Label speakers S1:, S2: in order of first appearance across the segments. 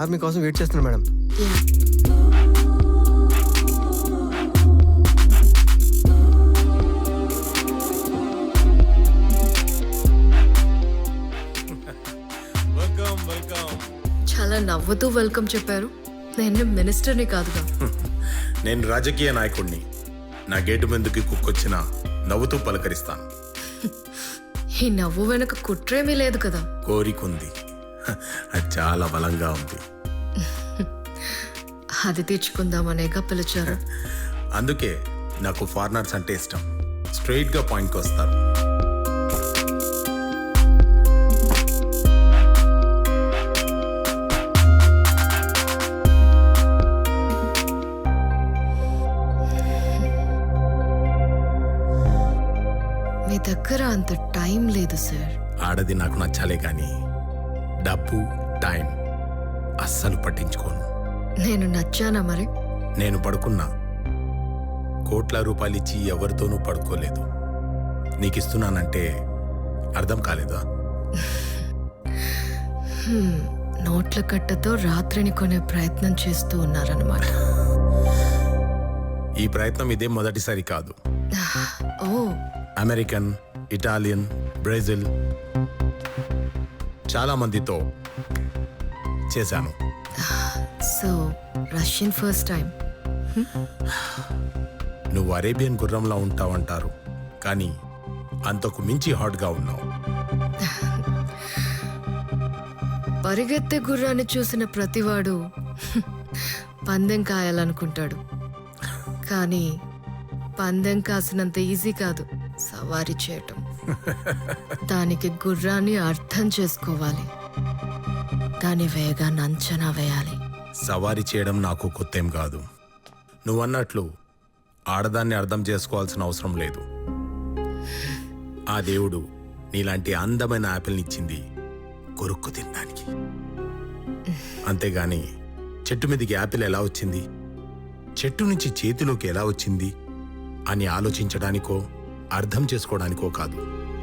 S1: Sir మీకోసం wait చేస్తున్నారు madam.
S2: చాలా నవ్వుతూ వెల్కమ్ చెప్పారు. నేను మినిస్టర్ని కాదుగా.
S3: నేను రాజకీయ నాయకుడిని. నా గేటు ముందుకి కుక్కొచ్చినా నవ్వుతూ పలకరిస్తాను.
S2: ఈ నవ్వు వెనక కుట్రేమీ లేదు కదా.
S3: కోరికుంది, అది చాలా బలంగా ఉంది.
S2: అది తీర్చుకుందామనేగా పిలిచారు.
S3: అందుకే నాకు ఫారినర్స్ అంటే ఇష్టం. స్ట్రైట్గా పాయింట్కి వస్తారు.
S2: మీ దగ్గర అంత టైం లేదు సార్.
S3: ఆడది నాకు నచ్చాలే కానీ డబ్బు టైం అస్సలు పట్టించుకోను.
S2: నేను నచ్చానా మరి?
S3: నేను పడుకున్నా కోట్ల రూపాయలు ఇచ్చి ఎవరితోనూ పడుకోలేదు. నీకు ఇస్తున్నానంటే అర్థం కాలేదా?
S2: నోట్ల కట్టతో రాత్రిని కొనే ప్రయత్నం చేస్తూ ఉన్నారన్నమాట.
S3: ఈ ప్రయత్నం ఇదే మొదటిసారి కాదు.
S2: ఓ,
S3: అమెరికన్, ఇటాలియన్, బ్రెజిల్ చాలా మందితో చేశాను.
S2: So Russian first time.
S3: నువ్వు అరేబియన్ గుర్రంలా ఉంటావంటారు, కానీ అంతకు మించి హాట్గా ఉన్నావు.
S2: పరిగెత్తే గుర్రాన్ని చూసిన ప్రతివాడు పందెం కాయాలనుకుంటాడు. కానీ పందెం కాసినంత ఈజీ కాదు సవారీ చేయటం. దానికి గుర్రాన్ని అర్థం చేసుకోవాలి, దాని వేగాన్ని అంచనా వేయాలి.
S3: సవారీ చేయడం నాకు కొత్తేం కాదు. నువ్వన్నట్లు ఆడదాన్ని అర్థం చేసుకోవాల్సిన అవసరం లేదు. ఆ దేవుడు నీలాంటి అందమైన యాపిల్ని ఇచ్చింది కొరుక్కు తినడానికి. అంతేగాని చెట్టు మీదకి యాపిల్ ఎలా వచ్చింది, చెట్టు నుంచి చేతిలోకి ఎలా వచ్చింది అని ఆలోచించడానికో అర్థం చేసుకోవడానికో కాదు.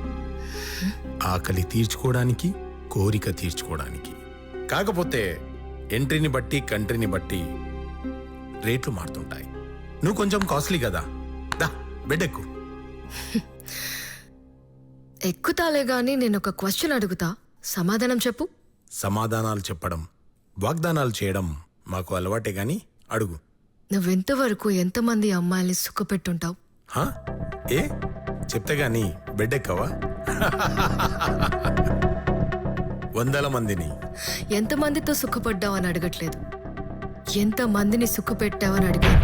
S3: ఆకలి తీర్చుకోవడానికి, కోరిక తీర్చుకోవడానికి. కాకపోతే ఎంట్రీని బట్టి కంట్రీని బట్టి రేట్లు మారుతుంటాయి. నువ్వు కొంచెం కాస్ట్లీ కదా, దా బెడ్
S2: ఎక్కుతాలే గాని నేను ఒక క్వశ్చన్ అడుగుతా, సమాధానం చెప్పు.
S3: సమాధానాలు చెప్పడం, వాగ్దానాలు చేయడం మాకు అలవాటే గాని అడుగు.
S2: నువ్వెంతవరకు ఎంతమంది అమ్మాయిల్ని సుఖపెట్టుంటావు?
S3: హా? ఏ చెప్తే గాని బెడ్ ఎక్కవా? 100 మందిని.
S2: ఎంతమందితో సుఖపడ్డావు అని అడగట్లేదు, ఎంతమందిని సుఖపెట్టావని అడిగాను.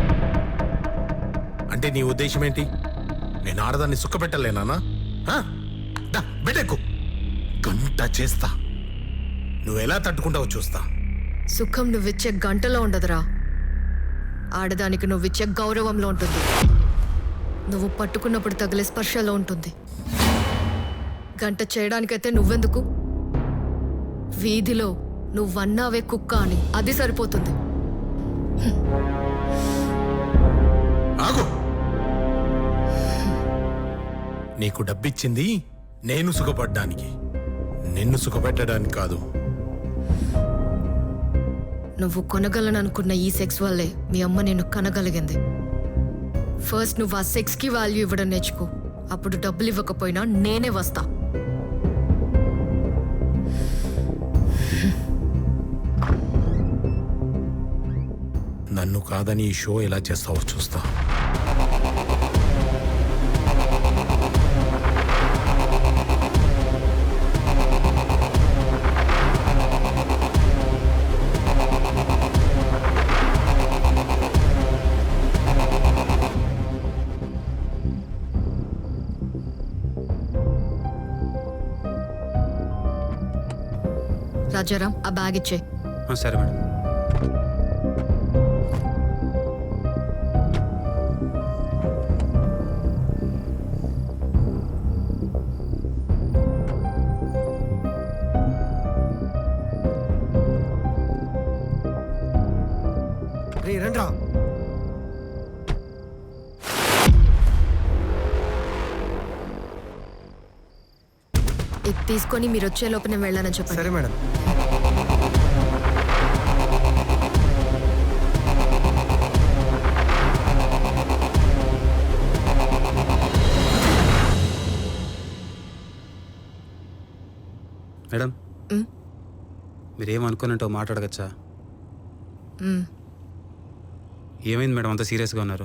S3: అంటే నీ ఉద్దేశం ఏంటి? నేను ఆడదాన్ని సుఖపెట్టలేనా? బెడ్ ఎక్కు, గంట చేస్తా. నువ్వెలా తట్టుకుంటావో చూస్తా.
S2: సుఖం నువ్విచ్చే గంటలో ఉండదురా, ఆడదానికి నువ్విచ్చే గౌరవంలో ఉంటుంది. నువ్వు పట్టుకున్నప్పుడు తగిలే స్పర్శలో ఉంటుంది. గంట చేయడానికైతే నువ్వెందుకు? వీధిలో నువ్వన్నావే కుక్క అని, అది సరిపోతుంది.
S3: ఆగు. నీకు డబ్బిచ్చింది నేను సుఖపడ్డానికి, నిన్ను సుఖపెట్టడానికి కాదు.
S2: నువ్వు కొనగలననుకున్న ఈ సెక్స్ వల్లే మీ అమ్మ నిన్ను కనగలిగింది. ఫస్ట్ నువ్వు ఆ సెక్స్కి వాల్యూ ఇవ్వడం నేర్చుకో, అప్పుడు డబ్బులు ఇవ్వకపోయినా నేనే వస్తా.
S3: నన్ను కాదని ఈ షో ఎలా చేస్తావో చూస్తా.
S2: రాజారాం, ఆ బ్యాగ్ ఇచ్చే.
S4: సరే మేడం.
S1: రండ్రా.
S2: ఇది తీసుకొని మీరు వచ్చే లోపు నేను వెళ్ళానని చెప్పండి.
S1: సరే మేడం.
S4: మీరేమనుకున్నట్టు మాట్లాడగచ్చా?
S2: మ్,
S4: ఏమైంది మేడం అంత సీరియస్గా ఉన్నారు?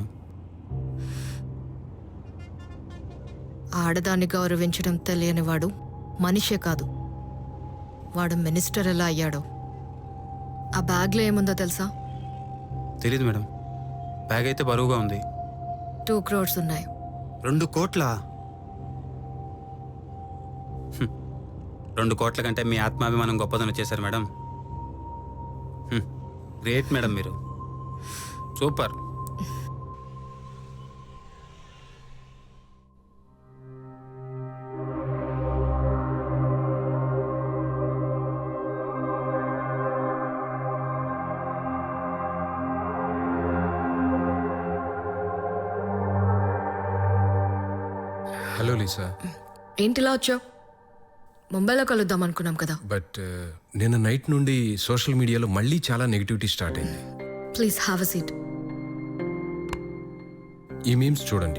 S2: ఆడదాన్ని గౌరవించడం తెలియనివాడు మనిషే కాదు. వాడు మినిస్టర్ ఎలా అయ్యాడో. ఆ బ్యాగ్లో ఏముందో తెలుసా?
S4: తెలీదు మేడం. బ్యాగ్ అయితే బరువుగా ఉంది.
S2: 2 crores ఉన్నాయి.
S4: 2 కోట్ల? 2 కోట్ల కంటే మీ ఆత్మాభిమానం గొప్పదని వచ్చేసారు మేడం. గ్రేట్ మేడం, మీరు సూపర్.
S5: Hello Lisa.
S2: ఏంటిలా వచ్చావు? ముంబైలో కలుద్దాం అనుకున్నాం కదా.
S5: బట్ నిన్న నైట్ నుండి సోషల్ మీడియాలో మళ్ళీ చాలా నెగిటివిటీ స్టార్ట్ అయింది.
S2: Please have a seat.
S5: ఈ మీమ్స్ చూడండి.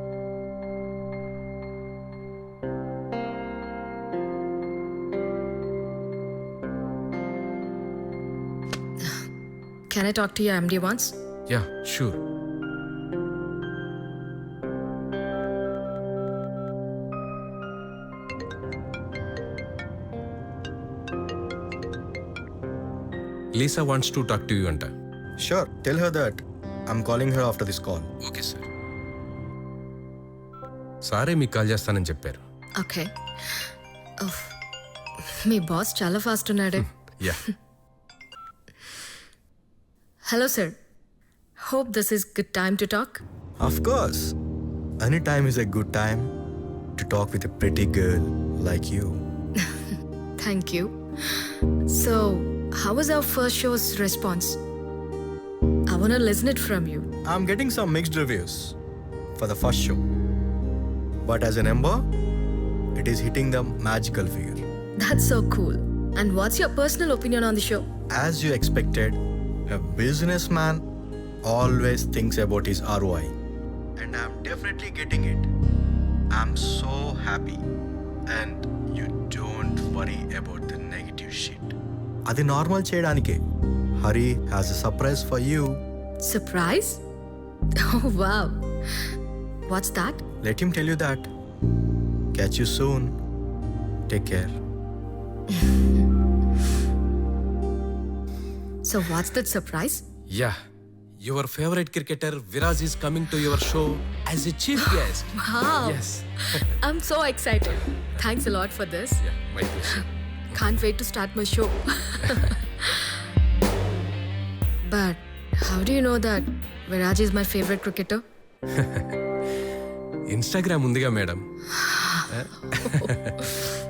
S2: Can I talk to your MD once?
S5: Yeah sure. Lisa wants to talk to you anta.
S1: Sure, tell her that I'm calling her after this call.
S5: Okay sir. సారే మీకు call చేస్తానని చెప్పారు.
S2: Okay. మీ boss చాలా fast ఉన్నాడే.
S5: Yeah.
S2: Hello sir, hope this is good time to talk.
S1: Of course. Any time is a good time to talk with a pretty girl like you.
S2: Thank you. So how was our first show's response? I want to listen it from you.
S1: I'm getting some mixed reviews for the first show. But as an Ember, it is hitting the magical figure.
S2: That's so cool. And what's your personal opinion on the show?
S1: As you expected, a businessman always thinks about his ROI. And I'm definitely getting it. I'm so happy. And you don't worry about the negative shit. అది normal చేయడానికే. Hari has a surprise for you.
S2: Surprise? Oh wow. What's that?
S1: Let him tell you that. Catch you soon. Take care.
S2: So what's that surprise?
S5: Yeah. Your favourite cricketer Viraj is coming to your show as a chief guest.
S2: Wow.
S5: Yes.
S2: I'm so excited. Thanks a lot for this.
S5: Yeah, my pleasure.
S2: Can't wait to start my show. But how do you know that Viraj is my favorite cricketer?
S5: Instagram ఉందిగా madam.